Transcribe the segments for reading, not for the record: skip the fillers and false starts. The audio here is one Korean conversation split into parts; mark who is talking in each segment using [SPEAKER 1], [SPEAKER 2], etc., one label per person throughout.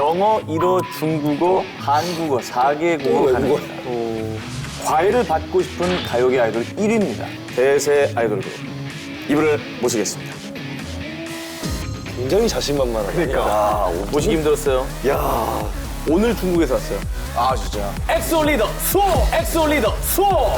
[SPEAKER 1] 영어, 일어, 중국어, 한국어 4개 국어가 가능합니다. 과외를 받고 싶은 가요계 아이돌 1위입니다. 대세 아이돌 그룹. 이분을 모시겠습니다.
[SPEAKER 2] 굉장히 자신만만하다.
[SPEAKER 1] 그러니까. 모시기 힘들었어요.
[SPEAKER 2] 야,
[SPEAKER 1] 오늘 중국에서 왔어요.
[SPEAKER 2] 아 진짜.
[SPEAKER 1] 엑소 리더 수호! 엑소 리더 수호!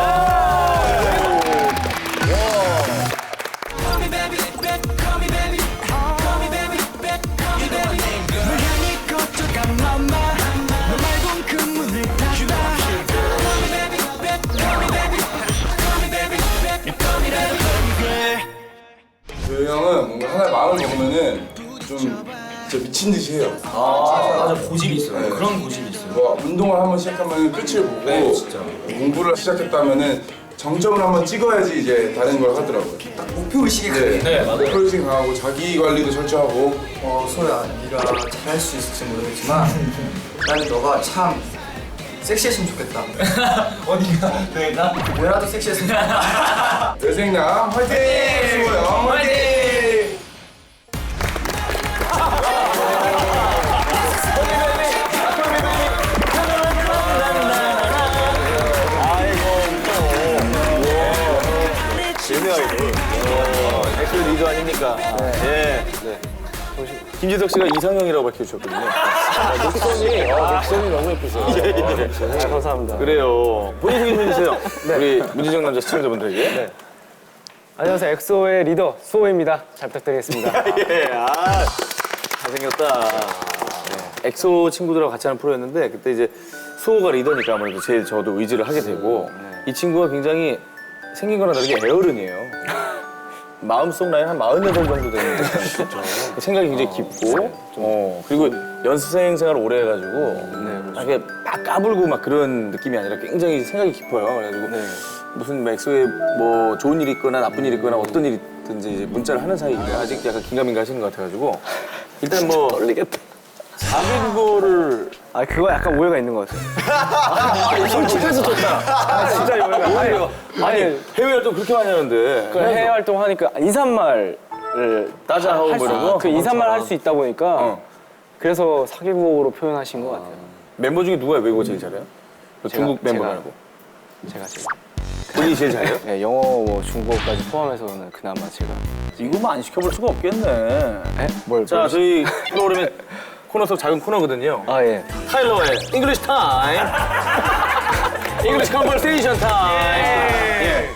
[SPEAKER 3] 그 형은 뭔가 하나의 마음을 먹으면은 좀 진짜 미친 듯이 해요.
[SPEAKER 4] 맞아 고집이 있어요.
[SPEAKER 3] 네.
[SPEAKER 4] 그런 고집이 있어요.
[SPEAKER 3] 뭐 운동을 한번 시작하면 끝을 보고
[SPEAKER 4] 네, 진짜.
[SPEAKER 3] 공부를 시작했다면은 정점을 한번 찍어야지 이제 다른 걸 하더라고요.
[SPEAKER 4] 목표 의식이 강해. 네, 맞아요.
[SPEAKER 3] 목표 의식 강하고 자기 관리도 철저하고.
[SPEAKER 4] 소야, 네가 잘할 수 있을지 모르겠지만 나는 너가 참 섹시했으면 좋겠다. 어디가? 내가? 뭐라도 섹시했으면 좋겠다.
[SPEAKER 3] 여생남 화이팅! 수고요. 화이팅!
[SPEAKER 1] 엑소 리더 아닙니까? 예. 김지석 씨가 이상형이라고 밝혀주셨거든요.
[SPEAKER 2] 목소리 너무 예쁘세요.
[SPEAKER 1] 예.
[SPEAKER 2] 감사합니다.
[SPEAKER 1] 그래요. 본인 소개 좀 해주세요. 우리 문지정 남자 시청자분들에게.
[SPEAKER 2] 안녕하세요. 엑소의 리더 수호입니다. 잘 부탁드리겠습니다.
[SPEAKER 1] 예, 잘생겼다. 엑소 친구들하고 같이 하는 프로였는데 그때 이제 수호가 리더니까 아무래도 제일 저도 의지를 하게 되고 이 친구가 굉장히 생긴 거랑 다르게 애어른이에요. 마음속 나이 한 48 정도 되는 듯한 생각이 굉장히 깊고 그리고 연습생 생활을 오래 해가지고 이렇게 막 까불고 막 그런 느낌이 아니라 굉장히 생각이 깊어요. 그래가지고 무슨 엑소에 뭐 좋은 일이 있거나 나쁜 일이 있거나 어떤 일이 있든지 이제 문자를 하는 사이인데 아직 약간 긴가민가 하시는 것 같아가지고 일단 뭐 떨리겠다. 사귄 거를
[SPEAKER 2] 그거 약간 오해가 있는 것 같아요.
[SPEAKER 1] 솔직해서 좋다.
[SPEAKER 2] 진짜 오해가.
[SPEAKER 1] 아니 해외 활동 그렇게 많이 하는데
[SPEAKER 2] 해외 활동하니까 인사말을
[SPEAKER 1] 따자 하고 뭐 이런 거?
[SPEAKER 2] 그 인사말 할 수 있다 보니까 그래서 사기국어로 표현하신 것 같아요.
[SPEAKER 1] 멤버 중에 누가 외국어 제일 잘해요? 중국 멤버
[SPEAKER 2] 제가.
[SPEAKER 1] 말고
[SPEAKER 2] 제가 지금
[SPEAKER 1] 본인이 제일 잘해요?
[SPEAKER 2] 네, 영어, 뭐 중국어까지 포함해서는 그나마 제가.
[SPEAKER 1] 이거만 안 시켜볼 수가 없겠네.
[SPEAKER 2] 뭘?
[SPEAKER 1] 자 저희 프로그램의 코너 속 작은 코너거든요.
[SPEAKER 2] 예.
[SPEAKER 1] 타일러의 English Time, English Conversation Time. 예.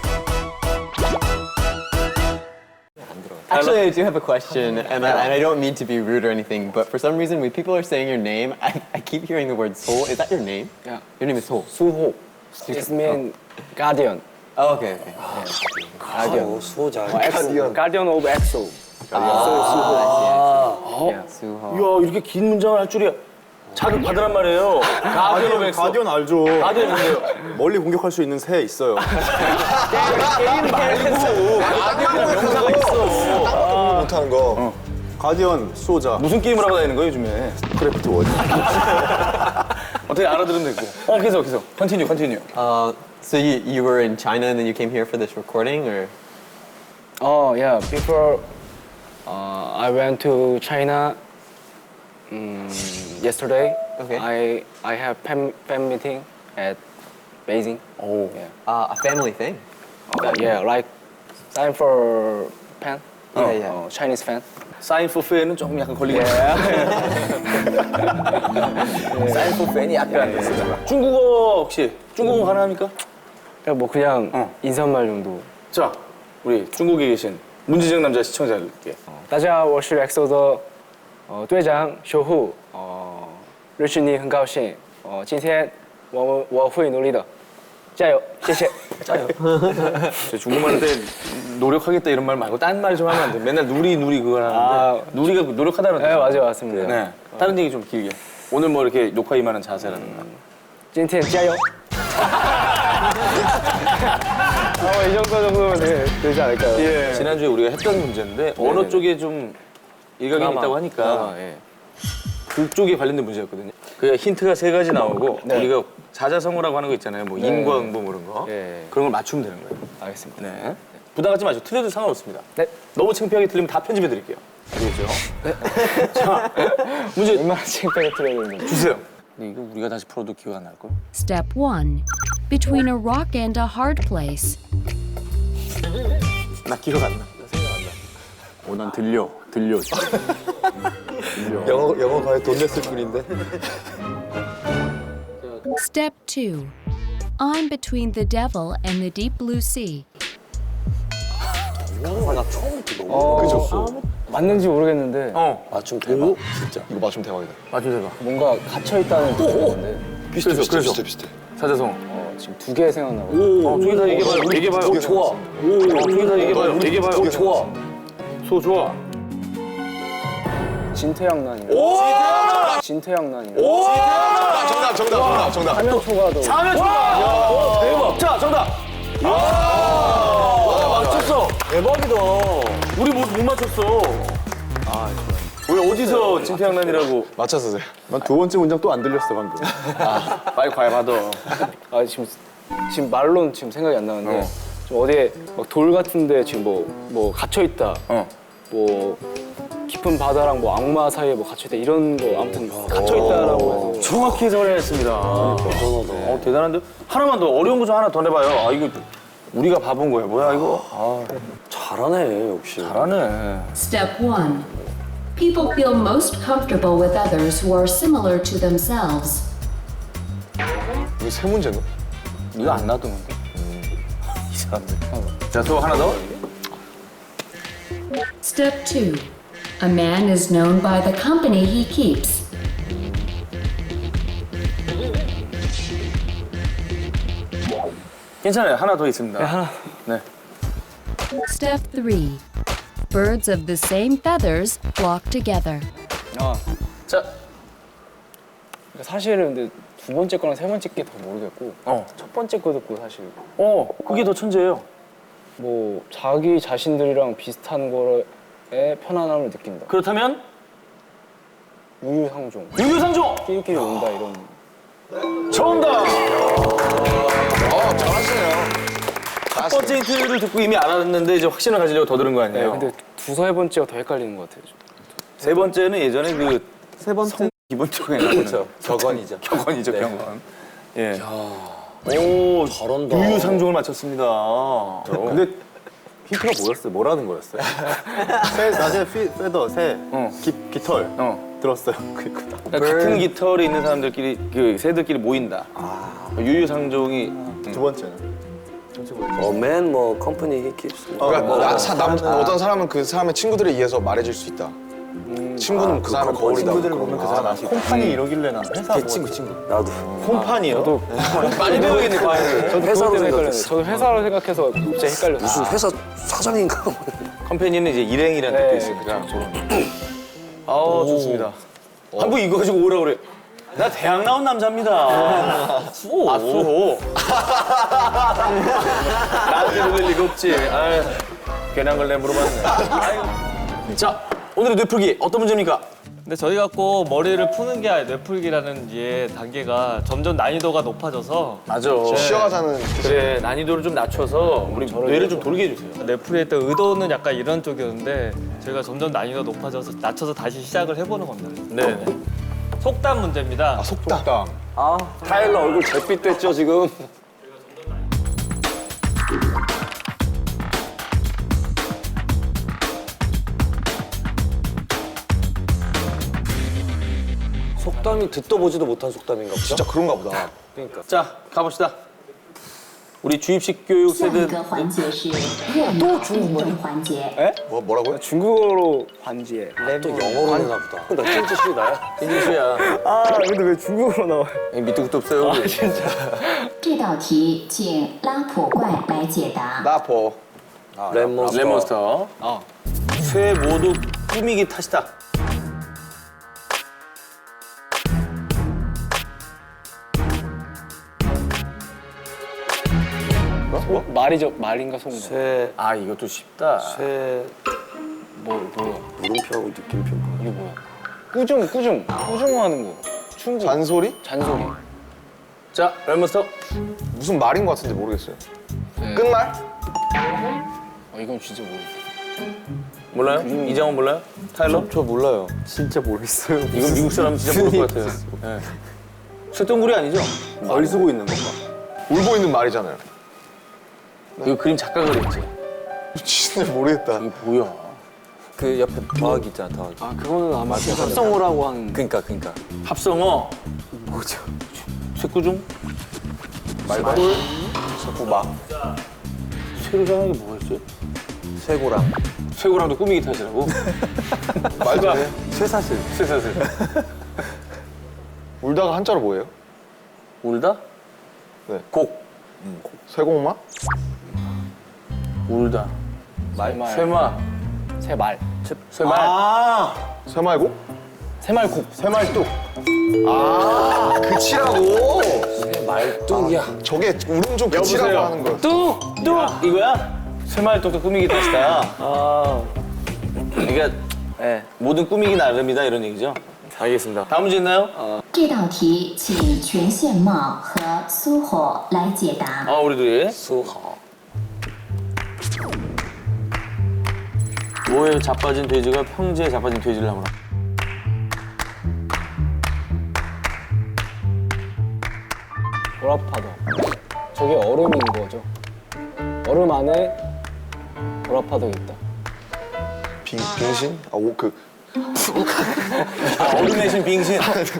[SPEAKER 5] Actually, I do have a question, and I don't mean to be rude or anything, but for some reason, when people are saying your name, I keep hearing the word Soul. Is that your name?
[SPEAKER 2] Yeah.
[SPEAKER 5] Your name is Soul.
[SPEAKER 2] 수호. It means guardian.
[SPEAKER 5] Oh, okay.
[SPEAKER 2] Guardian.
[SPEAKER 4] 수호자.
[SPEAKER 2] Guardian of EXO.
[SPEAKER 5] Suho.
[SPEAKER 1] 이야 이렇게 긴 문장을 할 줄이야. 자극 받으란 말이에요.
[SPEAKER 6] 가디언 알죠.
[SPEAKER 1] 가디언 뭔데요?
[SPEAKER 6] 멀리 공격할 수 있는 새 있어요.
[SPEAKER 1] 게임 말고 가디언 명사가 있어.
[SPEAKER 6] 못하는 거. 가디언 수호자.
[SPEAKER 1] 무슨 게임을 하고 다니는 거예요 요즘에?
[SPEAKER 6] 크래프트 원.
[SPEAKER 1] 어떻게 알아들으면 되고. 계속. Continue.
[SPEAKER 5] So you were in China and then you came here for this recording, or?
[SPEAKER 2] Oh yeah. Before I went to China yesterday.
[SPEAKER 5] Okay.
[SPEAKER 2] I have fan meeting at Beijing.
[SPEAKER 1] 오.
[SPEAKER 2] Yeah.
[SPEAKER 5] A family thing.
[SPEAKER 2] Yeah, like sign for fan.
[SPEAKER 5] Yeah.
[SPEAKER 2] Chinese fan.
[SPEAKER 1] 사인 포 팬은 조금 약간 걸리겠네. 사인 포 팬이 약간 중국어 혹시 중국어 가능합니까?
[SPEAKER 2] 뭐 그냥 인사말 정도.
[SPEAKER 1] 자, 우리 중국에 계신 문지정 남자 시청자들께
[SPEAKER 2] 大家好，我是 EXO 的队长修护，认识你很高兴，今天我会努力的，加油，谢谢。
[SPEAKER 1] 저 중국말 할 때 노력하겠다 이런 말 말고 딴 말 좀 하면 안 돼. 맨날 누리 그거 하는데 누리가 노력하다는
[SPEAKER 2] 네,
[SPEAKER 1] 뜻이에요.
[SPEAKER 2] 맞아요, 맞습니다.
[SPEAKER 1] 네. 다른 얘기 좀 길게. 오늘 뭐 이렇게 녹화 임하는 자세라든가.
[SPEAKER 2] 今天加油。 이 정도면 되지 않을까요?
[SPEAKER 1] 예. 지난주에 우리가 했던 문제인데 언어 쪽에 좀 일각이 있다고 하니까
[SPEAKER 2] 예.
[SPEAKER 1] 그쪽에 관련된 문제였거든요. 그 힌트가 3가지 나오고 우리가 사자성어라고 하는 거 있잖아요. 뭐 인과 응보 뭐 이런 거.
[SPEAKER 2] 예.
[SPEAKER 1] 그런 걸 맞추면 되는 거예요.
[SPEAKER 2] 알겠습니다.
[SPEAKER 1] 네. 부담 갖지 마시고 틀려도 상관없습니다.
[SPEAKER 2] 네.
[SPEAKER 1] 너무 창피하게 틀리면 다 편집해 드릴게요. 알겠죠? 네. 자, 문제
[SPEAKER 2] 얼마나 쟁점에 틀어야 되는지.
[SPEAKER 1] 주세요. 근데 이거 우리가 다시 풀어도 기억 안 날걸?
[SPEAKER 7] Step 1. Between a rock and a hard place.
[SPEAKER 6] 나 기억 안 나. 난 들려. 진짜. 영어 과외 돈 냈을 뿐인데.
[SPEAKER 7] Step 2. I'm between the devil and the deep blue sea.
[SPEAKER 2] 맞는지 모르겠는데
[SPEAKER 8] 맞춤 대박. 진짜. 이거 맞춤 대박이다.
[SPEAKER 1] 맞춰 대봐.
[SPEAKER 2] 뭔가 갇혀 있다는 뜻인데
[SPEAKER 8] 비슷해.
[SPEAKER 1] 사자성.
[SPEAKER 2] 지금 두 개 생각나고.
[SPEAKER 1] 저기 다 얘기해봐요. 얘기해봐요.
[SPEAKER 8] 좋아.
[SPEAKER 1] 저기 다 얘기해봐요. 얘기해봐요.
[SPEAKER 8] 좋아.
[SPEAKER 1] 소 좋아.
[SPEAKER 2] 진태양난이. 진태양난이.
[SPEAKER 8] 정답.
[SPEAKER 2] 화면초가도.
[SPEAKER 1] 하면 좋아. 대박. 자, 정답. 맞췄어. 대박이다. 우리 못 맞췄어. 왜 어디서 진태양난이라고?
[SPEAKER 8] 맞췄어.
[SPEAKER 6] 난 두 번째 문장 또 안 들렸어 방금.
[SPEAKER 1] 빨리 과외 받아.
[SPEAKER 2] 아 지금 말로는 지금 생각이 안 나는데 좀 어디에 막 돌 같은데 지금 뭐 갇혀 있다. 뭐 깊은 바다랑 뭐 악마 사이에 뭐 갇혀 있다 이런 거 아무튼 갇혀 있다라고 해서
[SPEAKER 1] 정확히 해설했습니다. 대단한데? 하나만 더 어려운 거 좀 하나 더 내봐요. 아 이거 우리가 바본 거야. 뭐야 이거?
[SPEAKER 8] 잘하네 역시.
[SPEAKER 1] 잘하네.
[SPEAKER 7] Step 1. People feel most comfortable with others who are similar to themselves.
[SPEAKER 8] 이거 세 문제네.
[SPEAKER 1] 이거 안 놔두는데? 이 사람들. 자, 또 하나 더.
[SPEAKER 7] Step 2. A man is known by the company he keeps.
[SPEAKER 1] 괜찮아요. 하나 더 있습니다. 네.
[SPEAKER 7] Step 3. Birds of the same feathers flock together.
[SPEAKER 1] 자,
[SPEAKER 2] 그러니까 사실은 근데 두 번째 거랑 세 번째 게 더 모르겠고 첫 번째 거 듣고 사실
[SPEAKER 1] 그게 더 천재예요.
[SPEAKER 2] 뭐 자기 자신들이랑 비슷한 거에 편안함을 느낀다.
[SPEAKER 1] 그렇다면
[SPEAKER 2] 유유상종.
[SPEAKER 1] 유유상종
[SPEAKER 2] 끼리끼리 논다 이런.
[SPEAKER 1] 정답.
[SPEAKER 8] 잘하시네요.
[SPEAKER 1] 첫 번째 힌트를 듣고 이미 알았는데 이제 확신을 가지려고 더 들은 거
[SPEAKER 2] 네,
[SPEAKER 1] 아니에요?
[SPEAKER 2] 근데 세 번째가 더 헷갈리는 것 같아요. 좀.
[SPEAKER 1] 세 번째는 예전에 그
[SPEAKER 6] 세 번째.
[SPEAKER 1] 기본적인 그렇죠.
[SPEAKER 8] 격언이죠.
[SPEAKER 1] 격언이죠, 격언. 예. 오,
[SPEAKER 8] 잘한다.
[SPEAKER 1] 유유상종을 맞췄습니다.
[SPEAKER 6] 근데 힌트가 뭐였어요? 뭐라는 거였어요? 새 낮에 페더 새 깃털 들었어요. 그니까.
[SPEAKER 1] 그러니까 같은 깃털이 있는 사람들끼리 그 새들끼리 모인다. 유유상종이
[SPEAKER 6] 두 번째는.
[SPEAKER 8] 맨 뭐 컴퍼니 he keeps.
[SPEAKER 3] 그러니까 어떤 사람은 그 사람의 친구들에 의해서 말해질 수 있다. 친구는 그 사람의 거울이다.
[SPEAKER 6] 친구들을 보면 그 사람 아시. 콤판이 이러길래 난 회사 친구.
[SPEAKER 8] 나도.
[SPEAKER 1] 콤판이요? 저도 많이 배우겠네, 과외를.
[SPEAKER 2] 저도
[SPEAKER 8] 회사로
[SPEAKER 2] 헷갈렸는데
[SPEAKER 8] 생각했어.
[SPEAKER 2] 저도 회사로 생각해서 갑자기 헷갈렸어요.
[SPEAKER 8] 무슨 회사 사장인가?
[SPEAKER 1] 컴퍼니는 이제 일행이라는
[SPEAKER 2] 네,
[SPEAKER 1] 뜻도 있으니까. 아우, 좋습니다. 한국 이거 가지고 오라고 그래. 나 대학 나온 남자입니다. 수호. 아, 수호. 나한테 놀릴 리가 없지. 아유, 괜한 걸 내 물어봤네. 아유. 자, 오늘의 뇌풀기 어떤 문제입니까?
[SPEAKER 9] 근데 저희가 꼭 머리를 푸는 게 아니라 뇌풀기라는 게 단계가 점점 난이도가 높아져서
[SPEAKER 1] 맞아.
[SPEAKER 3] 쉬어가자는
[SPEAKER 1] 그래, 난이도를 좀 낮춰서 우리 뇌를 좀 돌게 해주세요.
[SPEAKER 9] 뇌풀이의 또 의도는 약간 이런 쪽이었는데 저희가 점점 난이도가 높아져서 낮춰서 다시 시작을 해보는 겁니다.
[SPEAKER 1] 네.
[SPEAKER 9] 속담 문제입니다.
[SPEAKER 3] 속담.
[SPEAKER 8] 타일러 얼굴 잿빛 됐죠 지금. 속담이 듣도 보지도 못한 속담인가 보다.
[SPEAKER 3] 진짜 그런가 보다.
[SPEAKER 1] 자, 가봅시다. 우리 주입식 교육
[SPEAKER 10] 下一
[SPEAKER 1] 세대
[SPEAKER 10] 个环节是热闹辩证环节。
[SPEAKER 3] 뭐라고요?
[SPEAKER 2] 중국어로 관지에.
[SPEAKER 8] 또 영어로 하나 보다. 나 찐지 실이 나야?
[SPEAKER 1] 인주씨야.
[SPEAKER 2] 아 근데 왜 중국어로 나와요?
[SPEAKER 1] 밑도 끝도 없어요. 우리.
[SPEAKER 10] 这道题请拉普怪来解答。
[SPEAKER 3] 나포.
[SPEAKER 8] 랩몬스터.
[SPEAKER 1] 레몬스터. 쇠 모두 꾸미기 탓이다.
[SPEAKER 2] 말인가 속말.
[SPEAKER 8] 새,
[SPEAKER 1] 아, 이것도 쉽다.
[SPEAKER 8] 새,
[SPEAKER 2] 뭐야?
[SPEAKER 8] 물음표하고 느낌표.
[SPEAKER 2] 이게 뭐야? 꾸중하는 거. 충고.
[SPEAKER 3] 잔소리?
[SPEAKER 2] 잔소리.
[SPEAKER 1] 자, 레몬스터.
[SPEAKER 3] 무슨 말인 것 같은데 모르겠어요.
[SPEAKER 2] 네.
[SPEAKER 3] 끝말?
[SPEAKER 2] 이건 진짜 모르겠다.
[SPEAKER 1] 몰라요? 이장원 몰라요? 타일러?
[SPEAKER 8] 저 몰라요.
[SPEAKER 2] 진짜 모르겠어요.
[SPEAKER 1] 이건 미국 사람 진짜 모를 것 같아요. 네. 쇠똥구리 아니죠?
[SPEAKER 3] 걸 쓰고 있는 건가? 울고 있는 말이잖아요.
[SPEAKER 1] 이거 그림 작가가 그렸지.
[SPEAKER 3] 진짜 모르겠다.
[SPEAKER 1] 이게 뭐야?
[SPEAKER 8] 그 옆에 더하기 있잖아, 더하기.
[SPEAKER 2] 아 그거는 아마 합성어라고 하는.
[SPEAKER 8] 그니까.
[SPEAKER 1] 합성어.
[SPEAKER 2] 뭐죠?
[SPEAKER 1] 쇠구중?
[SPEAKER 3] 말벌, 구막,
[SPEAKER 1] 쇠로 장하게 뭐가 있어요?
[SPEAKER 8] 쇠고랑.
[SPEAKER 1] 쇠고랑도 꾸미기 탓이라고?
[SPEAKER 3] 말도 안 해.
[SPEAKER 1] 쇠사슬. 쇠사슬.
[SPEAKER 3] 울다가 한자로 뭐예요?
[SPEAKER 1] 울다?
[SPEAKER 3] 네.
[SPEAKER 1] 곡.
[SPEAKER 3] 쇠공마?
[SPEAKER 1] 울다.
[SPEAKER 2] 말.
[SPEAKER 1] 쇠마.
[SPEAKER 2] 새말.
[SPEAKER 1] 쇠말.
[SPEAKER 3] 쇠말곡?
[SPEAKER 2] 새말국.
[SPEAKER 3] 쇠말뚝. 아, 그치라고.
[SPEAKER 8] 말뚝이야.
[SPEAKER 3] 저게 울음종 그치라고
[SPEAKER 1] 여보세요?
[SPEAKER 3] 하는 거야.
[SPEAKER 1] 뚝! 이거야? 쇠말뚝도 꾸미기 탓이다. 그러니까 모든 꾸미기 나름이다 이런 얘기죠? 알겠습니다. 다음 문제 있나요?
[SPEAKER 10] 这道题请全宪茂和苏火来解答。
[SPEAKER 1] 우리 둘이.
[SPEAKER 8] 수하.
[SPEAKER 1] 뭐에 자빠진 돼지가 평지에 자빠진 돼지를 나무라.
[SPEAKER 2] 보라파도. 저게 얼음인 거죠. 얼음 안에 보라파도가 있다.
[SPEAKER 3] 빙신? 아,
[SPEAKER 1] 얼음 대신 빙신.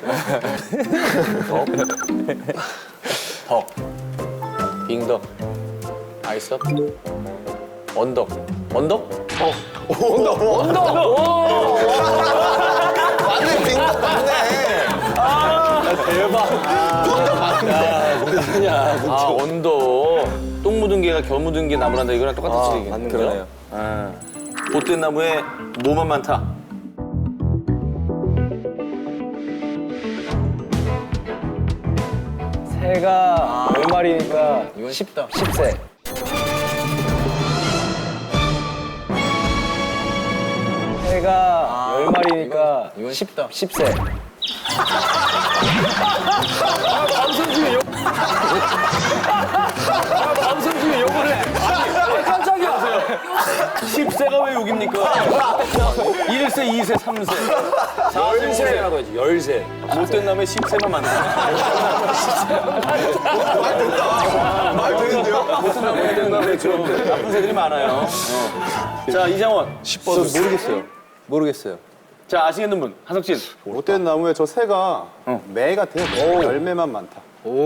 [SPEAKER 1] 덕. 빙덕. 아이스. 언덕. 언덕?
[SPEAKER 3] 맞네, 빙덕 맞네.
[SPEAKER 1] 언덕. 똥 묻은 개가 겨묻은 개 나무란다 이거랑 똑같은 얘기예요.
[SPEAKER 8] 맞는 거네요.
[SPEAKER 1] 못된 나무에 뭐만 많다.
[SPEAKER 2] 새가 10마리니까
[SPEAKER 5] 이건 쉽다.
[SPEAKER 2] 10세. 새가 10마리니까
[SPEAKER 5] 이건 쉽다.
[SPEAKER 2] 10세.
[SPEAKER 1] 방송 중에 욕을 해. 깜짝이야. 10세가 왜 욕입니까? 1세, 2세, 3세. 4세, 5세라고 해야지. 10세. 못된 남의 10세만 만든다.
[SPEAKER 3] 말 되는데요?
[SPEAKER 1] 못된 남의 좀 나쁜 새들이 많아요. 자, 이장원.
[SPEAKER 3] 10번.
[SPEAKER 8] 모르겠어요.
[SPEAKER 1] 자, 아시겠는 분. 한석진.
[SPEAKER 6] 못된 나무에 저 새가 매 같아요. 열매만 많다.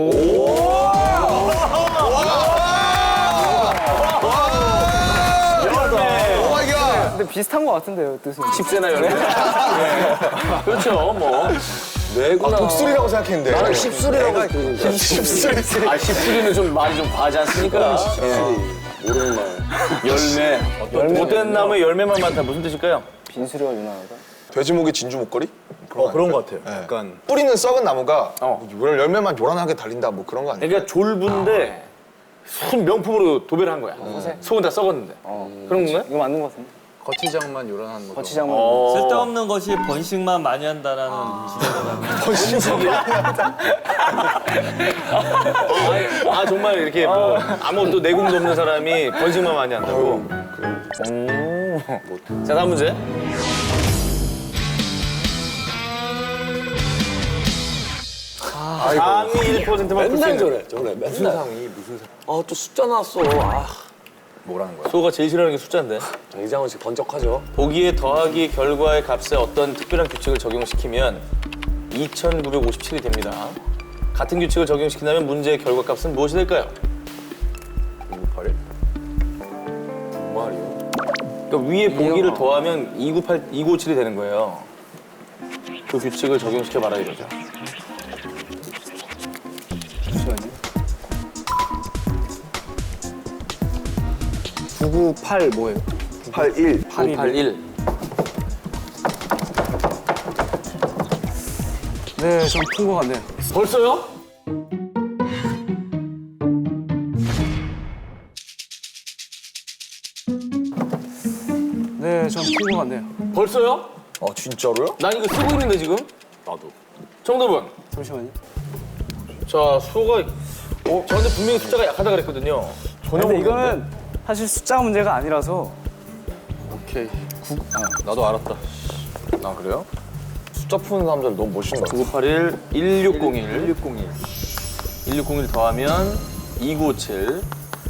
[SPEAKER 3] 오 마이 갓.
[SPEAKER 2] 근데 비슷한 거 같은데요, 뜻은.
[SPEAKER 1] 10세나 열매. 그렇죠, 뭐.
[SPEAKER 3] 아, 독수리라고 생각했는데.
[SPEAKER 8] 나는 십술이라고 했거든.
[SPEAKER 3] 십술이.
[SPEAKER 1] 십수리는 좀 말이 좀 과하지 않습니까?
[SPEAKER 8] 모르는 말.
[SPEAKER 1] 열매. 못된 나무에 열매만 많다. 무슨 뜻일까요?
[SPEAKER 2] 빈수리가 유난하다.
[SPEAKER 3] 돼지목이 진주 목걸이?
[SPEAKER 6] 그런 것 같아요. 약간
[SPEAKER 3] 뿌리는 썩은 나무가 열매만 요란하게 달린다 뭐 그런 거 아니에요?
[SPEAKER 1] 그러니까 졸부인데 순 명품으로 도배를 한 거야. 속은 다 썩었는데. 그런 건가요?
[SPEAKER 2] 이거 맞는 것 같은데.
[SPEAKER 5] 거치장만 요란한 거죠.
[SPEAKER 2] 거치장만.
[SPEAKER 9] 쓸데없는 것이 번식만 많이 한다라는
[SPEAKER 1] 정말 이렇게 뭐 아무것도 내공도 없는 사람이 번식만 많이 한다고. 자, 다음 문제. 상위 1%만 풀수 있는.
[SPEAKER 8] 저래. 무슨 상이, 무슨 상. 아, 또 숫자 나왔어. 아,
[SPEAKER 5] 뭐라는 거야?
[SPEAKER 1] 소가 제일 싫어하는 게 숫자인데.
[SPEAKER 8] 이장원 씨 번쩍하죠?
[SPEAKER 1] 보기에 더하기 결과의 값에 어떤 특별한 규칙을 적용시키면 2,957이 됩니다. 같은 규칙을 적용시킨다면 문제의 결과값은 무엇이 될까요?
[SPEAKER 5] 298일?
[SPEAKER 8] 말이요.
[SPEAKER 1] 그러니까 위에 보기를 더하면 297이 되는 거예요. 그 규칙을 적용시켜 봐라 이거죠.
[SPEAKER 2] 998 뭐예요?
[SPEAKER 3] 81.
[SPEAKER 1] 981.
[SPEAKER 2] 네, 좀 푼 것 같네요.
[SPEAKER 1] 벌써요?
[SPEAKER 2] 네, 좀 푼 것 같네요.
[SPEAKER 1] 벌써요?
[SPEAKER 3] 진짜로요?
[SPEAKER 1] 난 이거 쓰고 있는데 지금?
[SPEAKER 5] 나도.
[SPEAKER 1] 정답은?
[SPEAKER 2] 잠시만요.
[SPEAKER 1] 자, 수호가 저한테 분명히 숫자가 약하다 그랬거든요. 전혀
[SPEAKER 2] 근데
[SPEAKER 1] 모르겠는데?
[SPEAKER 2] 이거는 사실 숫자 문제가 아니라서
[SPEAKER 1] 오케이.
[SPEAKER 6] 나도 알았다.
[SPEAKER 1] 아 그래요?
[SPEAKER 3] 숫자 푸는 사람들 너무 멋있는 것 같아.
[SPEAKER 1] 9981 1601 1601 더하면 2957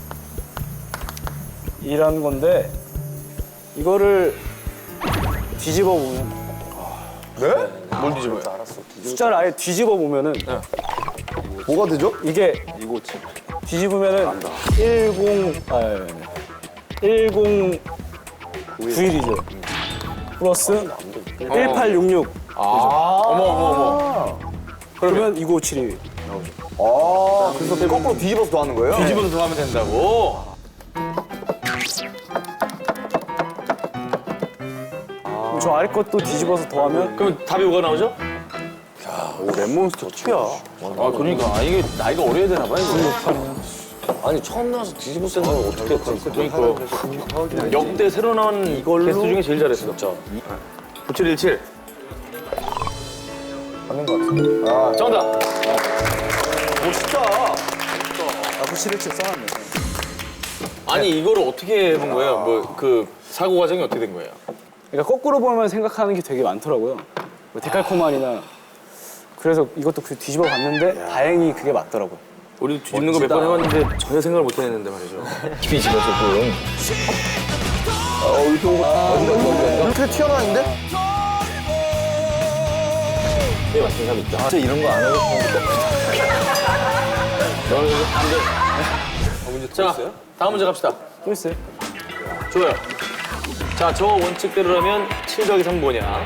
[SPEAKER 2] 이라는 건데 이거를 뒤집어 보면
[SPEAKER 3] 네? 뭘 뒤집어요?
[SPEAKER 2] 숫자를 아예 뒤집어 보면은
[SPEAKER 3] 뭐가 되죠?
[SPEAKER 2] 이게 뒤집으면은 1091이죠. 플러스 1866.
[SPEAKER 1] 어머
[SPEAKER 2] 그러면 2957이
[SPEAKER 3] 그래서 거꾸로 뒤집어서 더하는 거예요?
[SPEAKER 1] 뒤집어서 더하면 된다고?
[SPEAKER 2] 저 아래 것도 뒤집어서 더하면
[SPEAKER 1] 그럼 답이 뭐가 나오죠?
[SPEAKER 8] 오, 랩몬스터 2야.
[SPEAKER 1] 아 그러니까 이게 나이가 어려야 되나 봐요.
[SPEAKER 8] 아니, 처음 나와서 뒤집어 쓴 건 어떻게
[SPEAKER 1] 그러니까 역대 새로 나온
[SPEAKER 8] 이걸로?
[SPEAKER 1] 게스트 중에 제일 잘했어. 진짜. 9717
[SPEAKER 3] 맞는 것 같은데. 아,
[SPEAKER 1] 정답.
[SPEAKER 2] 구칠일칠 써놨네.
[SPEAKER 1] 아니 이거를 어떻게 해본 거예요? 뭐 그 사고 과정이 어떻게 된 거예요?
[SPEAKER 2] 그러니까 거꾸로 보면 생각하는 게 되게 많더라고요. 뭐 데칼코마니나 그래서 이것도 그 뒤집어 봤는데 다행히 그게 맞더라고요.
[SPEAKER 1] 우리 뒤집는 거 몇 번 해봤는데 전혀 생각을 못 해냈는데 말이죠. 깊이 집어 조금.
[SPEAKER 3] 이렇게 튀어나왔는데?
[SPEAKER 1] 네 맞춘 사람 있다.
[SPEAKER 3] 진짜 이런 거 안 하고.
[SPEAKER 1] 너는 안 돼. 문제 자, 다음 문제 갑시다.
[SPEAKER 2] 또 있어요?
[SPEAKER 1] 좋아요. 자, 저 원칙대로라면 7 더하기 3 뭐냐?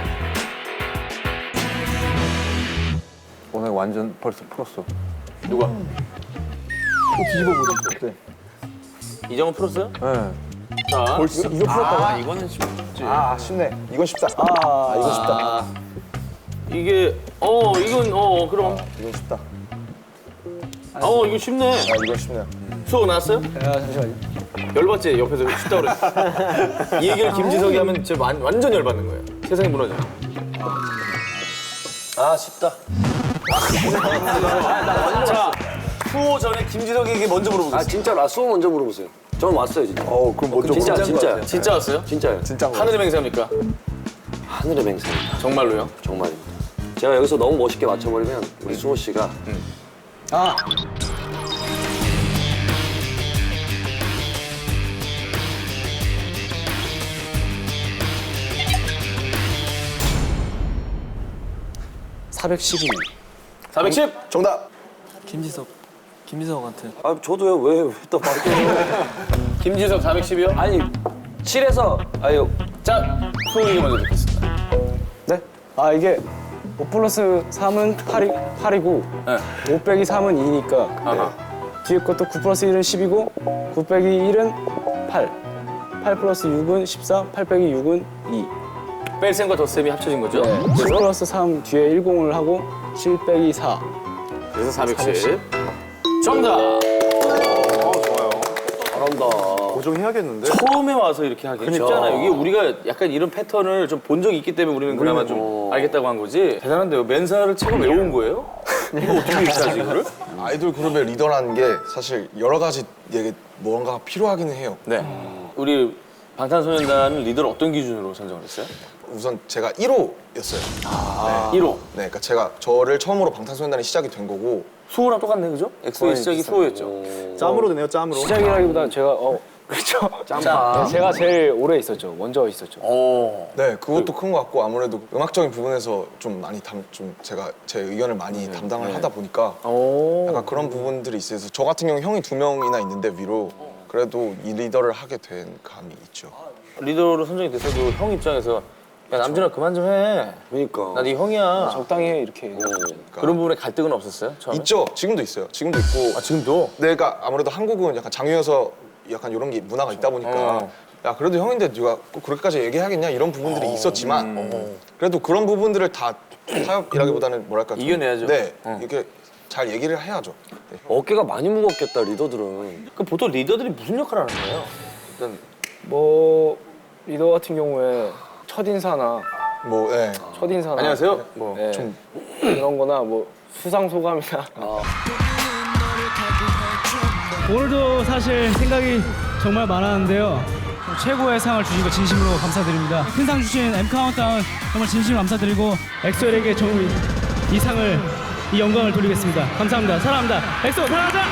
[SPEAKER 6] 오늘 완전 벌써 풀었어.
[SPEAKER 1] 누가?
[SPEAKER 6] 뒤집어 보자. 어때?
[SPEAKER 1] 이정은 풀었어요?
[SPEAKER 6] 네.
[SPEAKER 1] 자,
[SPEAKER 3] 벌써? 이거 풀었다고?
[SPEAKER 1] 아, 이거는 쉽지.
[SPEAKER 3] 아, 쉽네. 이건 쉽다. 이건 쉽다.
[SPEAKER 1] 이게 이건 그럼.
[SPEAKER 3] 이건 쉽다.
[SPEAKER 1] 이거 쉽네.
[SPEAKER 3] 이건 쉽네요.
[SPEAKER 1] 수업 나왔어요?
[SPEAKER 2] 야 잠시만요.
[SPEAKER 1] 열받지? 옆에서 쉽다 그랬어. 이 얘기를 김지석이 하면 진짜 완전 열받는 거예요. 세상이 무너져.
[SPEAKER 8] 아, 쉽다.
[SPEAKER 1] 자, 수호 전에 김지석에게 먼저 물어보겠습니다.
[SPEAKER 8] 아, 진짜로. 수호 먼저 물어보세요. 저는 왔어요, 진짜.
[SPEAKER 3] 그럼 먼저
[SPEAKER 8] 진짜,
[SPEAKER 3] 물어볼
[SPEAKER 8] 진짜요.
[SPEAKER 3] 것
[SPEAKER 1] 진짜 왔어요?
[SPEAKER 8] 진짜요.
[SPEAKER 3] 진짜인 거
[SPEAKER 1] 하늘의 맹세합니까?
[SPEAKER 8] 하늘의 맹세입니다.
[SPEAKER 1] 정말로요?
[SPEAKER 8] 정말입니다. 제가 여기서 너무 멋있게 맞춰버리면 우리 수호 씨가
[SPEAKER 2] 아 412년.
[SPEAKER 1] 410!
[SPEAKER 3] 정답!
[SPEAKER 9] 김지석한테.
[SPEAKER 8] 아, 저도요. 왜 또 바뀌어요?
[SPEAKER 1] 김지석 410이요?
[SPEAKER 8] 아니, 7에서 아유,
[SPEAKER 1] 자, 수호에게 먼저 듣겠습니다.
[SPEAKER 2] 네? 아 이게 5 플러스 3은 8이고
[SPEAKER 1] 네.
[SPEAKER 2] 5 빼기 3은 2니까
[SPEAKER 1] 아하.
[SPEAKER 2] 뒤에 것도 9 플러스 1은 10이고 9 빼기 1은 8 8 플러스 6은 14 8 빼기 6은 2
[SPEAKER 1] 뺄셈과 덧셈이 합쳐진 거죠?
[SPEAKER 2] 네. 7 플러스 3 뒤에 10을 하고 7 빼기 4
[SPEAKER 1] 그래서 410. 정답!
[SPEAKER 8] 잘한다.
[SPEAKER 3] 고정해야겠는데?
[SPEAKER 1] 처음에 와서 이렇게 하기 쉽잖아요. 이게 우리가 약간 이런 패턴을 좀 본 적이 있기 때문에 우리는 그나마 좀 알겠다고 한 거지. 대단한데요. 맨사를 책을 외운 거예요? 이거 어떻게 익히지 이거를?
[SPEAKER 3] 아이돌 그룹의 리더라는 게 사실 여러 가지 얘기 뭔가 필요하기는 해요.
[SPEAKER 1] 네. 우리 방탄소년단 리더를 어떤 기준으로 선정을 했어요?
[SPEAKER 3] 우선 제가 1호였어요.
[SPEAKER 1] 1호.
[SPEAKER 3] 네, 그러니까 제가 저를 처음으로 방탄소년단이 시작이 된 거고
[SPEAKER 1] 수호랑 똑같네, 그죠? 엑소의 시작이 수호였죠.
[SPEAKER 3] 짬으로 되네요, 짬으로.
[SPEAKER 2] 시작이라기보다 제가 그렇죠.
[SPEAKER 1] 짬바.
[SPEAKER 2] 제가 제일 오래 있었죠. 먼저 있었죠.
[SPEAKER 3] 네, 그것도 큰 것 같고 아무래도 음악적인 부분에서 좀 많이 제가 제 의견을 많이 담당을 하다 보니까 약간 그런 부분들이 있어서 저 같은 경우 형이 2명이나 있는데 위로 그래도 이 리더를 하게 된 감이 있죠.
[SPEAKER 1] 리더로 선정이 됐어도 형 입장에서 야 남준아 그만 좀 해.
[SPEAKER 8] 그러니까.
[SPEAKER 1] 나 네 형이야.
[SPEAKER 2] 적당히 해 이렇게.
[SPEAKER 1] 그런 부분에 갈등은 없었어요? 처음에?
[SPEAKER 3] 있죠. 지금도 있어요. 지금도 있고.
[SPEAKER 1] 지금도?
[SPEAKER 3] 네, 그러니까 아무래도 한국은 약간 장유여서 약간 이런 게 문화가 있다 보니까 야 그래도 형인데 네가 꼭 그렇게까지 얘기하겠냐 이런 부분들이 있었지만 그래도 그런 부분들을 다 타협이라기보다는 뭐랄까 좀,
[SPEAKER 1] 이겨내야죠.
[SPEAKER 3] 네, 이렇게 잘 얘기를 해야죠. 네.
[SPEAKER 8] 어깨가 많이 무겁겠다, 리더들은.
[SPEAKER 1] 그 보통 리더들이 무슨 역할을 하는 거예요? 일단
[SPEAKER 2] 뭐 리더 같은 경우에 첫 인사나
[SPEAKER 3] 뭐, 네.
[SPEAKER 1] 안녕하세요. 뭐
[SPEAKER 2] 네, 그런 거나 뭐 수상 소감이나
[SPEAKER 11] 오늘도 사실 생각이 정말 많았는데요. 최고의 상을 주신 거 진심으로 감사드립니다. 큰 상 주신 M 카운트다운 정말 진심으로 감사드리고 엑소엘에게 이 상을 이 영광을 돌리겠습니다. 감사합니다. 사랑합니다. 엑소 사랑하자.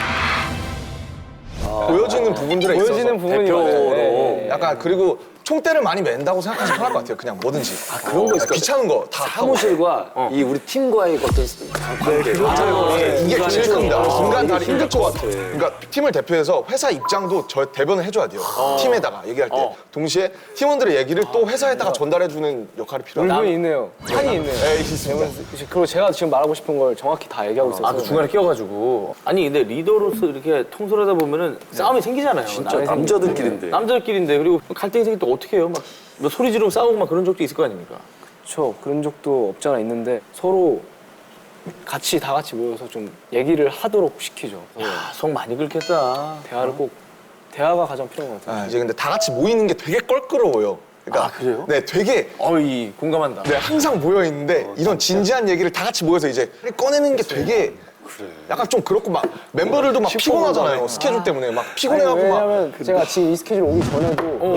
[SPEAKER 3] 보여지는 부분들에
[SPEAKER 2] 보여지는
[SPEAKER 3] 있어서
[SPEAKER 2] 부분이
[SPEAKER 3] 대표로 약간 그리고 총대를 많이 맨다고 생각하시면 편할 것 같아요. 그냥 뭐든지.
[SPEAKER 8] 그런 거 있을 것
[SPEAKER 3] 귀찮은 거 다
[SPEAKER 8] 사무실과 이 우리 팀과의 어떤 관계.
[SPEAKER 3] 이게 제일 큽니다. 인간 다리 힘들 것
[SPEAKER 8] 것
[SPEAKER 3] 같아. 그러니까 팀을 대표해서 회사 입장도 저 대변을 해줘야 돼요. 팀에다가 얘기할 때. 동시에 팀원들의 얘기를 또 회사에다가 전달해주는 역할이 필요해요.
[SPEAKER 2] 물건이 있네요. 한이 있네요.
[SPEAKER 3] 네, 있습니다.
[SPEAKER 2] 그리고 제가 지금 말하고 싶은 걸 정확히 다 얘기하고 있어서.
[SPEAKER 1] 그 중간에 끼어가지고. 아니 근데 리더로서 이렇게 통솔하다 보면은 싸움이 생기잖아요.
[SPEAKER 8] 진짜 남자들끼리인데.
[SPEAKER 1] 남자들끼리인데 그리고 갈등이 생길 때 어떻게 해요? 막 소리 지르고 싸우고 막 그런 적도 있을 거 아닙니까?
[SPEAKER 2] 그렇죠. 그런 적도 없지 않아 있는데 서로 다 같이 모여서 좀 얘기를 하도록 시키죠.
[SPEAKER 1] 속 많이 긁겠다.
[SPEAKER 2] 대화가 가장 필요한 것 같아요.
[SPEAKER 3] 이제 근데 다 같이 모이는 게 되게 껄끄러워요. 그러니까
[SPEAKER 1] 그래요?
[SPEAKER 3] 네, 되게
[SPEAKER 1] 어이 공감한다.
[SPEAKER 3] 네, 항상 모여 있는데 이런 진지한 얘기를 다 같이 모여서 이제 꺼내는 게 되게 약간 좀 그렇고 막 멤버들도 막 피곤하잖아요. 스케줄 때문에 막 피곤해갖고 막.
[SPEAKER 2] 왜냐면 제가 지금 이 스케줄 오기 전에도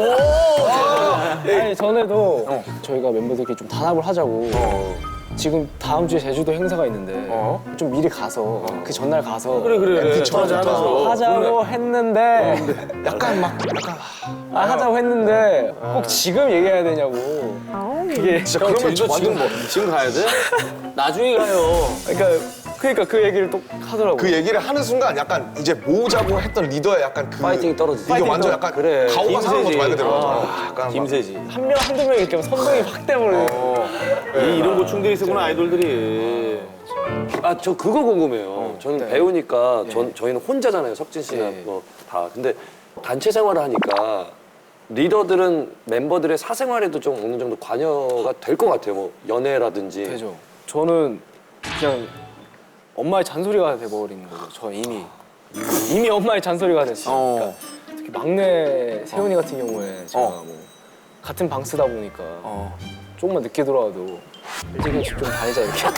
[SPEAKER 2] 아니 전에도 저희가 멤버들끼리 좀 단합을 하자고 지금 다음 주에 제주도 행사가 있는데 좀 미리 가서 그 전날 가서
[SPEAKER 1] 그래.
[SPEAKER 2] 하자고 했는데
[SPEAKER 3] 약간
[SPEAKER 2] 하자고 했는데 꼭 지금 얘기해야 되냐고 그게
[SPEAKER 3] 진짜 그러면 저
[SPEAKER 1] 지금 가야 돼? 나중에 가요.
[SPEAKER 2] 그러니까 그 얘기를 또 하더라고요.
[SPEAKER 3] 그 얘기를 하는 순간 약간 이제 모으자고 했던 리더의 약간 그
[SPEAKER 8] 파이팅이 떨어지지.
[SPEAKER 3] 이게 완전 약간 가오가 상한 거죠 말 그대로. 약간
[SPEAKER 1] 김세지.
[SPEAKER 2] 한 명, 한두 명 이렇게 선동이 확 돼버리고
[SPEAKER 1] 이런 고충들이 있었구나 아이돌들이.
[SPEAKER 8] 아, 저 그거 궁금해요. 저는 배우니까 저희는 혼자잖아요. 석진 씨나 뭐 다. 근데 단체 생활을 하니까 리더들은 멤버들의 사생활에도 좀 어느 정도 관여가 될 것 같아요. 뭐 연애라든지.
[SPEAKER 2] 되죠. 저는 그냥 엄마의 잔소리가 돼버리는 거죠. 저 이미 엄마의 잔소리가 됐으니까 특히 막내 세훈이 같은 경우에 제가 뭐 같은 방 쓰다 보니까 조금만 늦게 돌아와도 일찍 좀 다니자 이렇게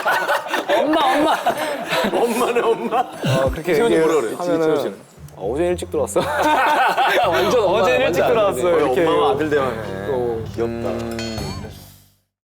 [SPEAKER 1] 엄마네 엄마.
[SPEAKER 2] 그렇게
[SPEAKER 1] 세훈이
[SPEAKER 2] 얘기를
[SPEAKER 1] 뭐라 그래?
[SPEAKER 2] 하면은 어제 일찍 들어왔어. 완전 어제 일찍 들어왔어. 이렇게
[SPEAKER 1] 엄마와 아들 대화네.
[SPEAKER 2] 귀엽다.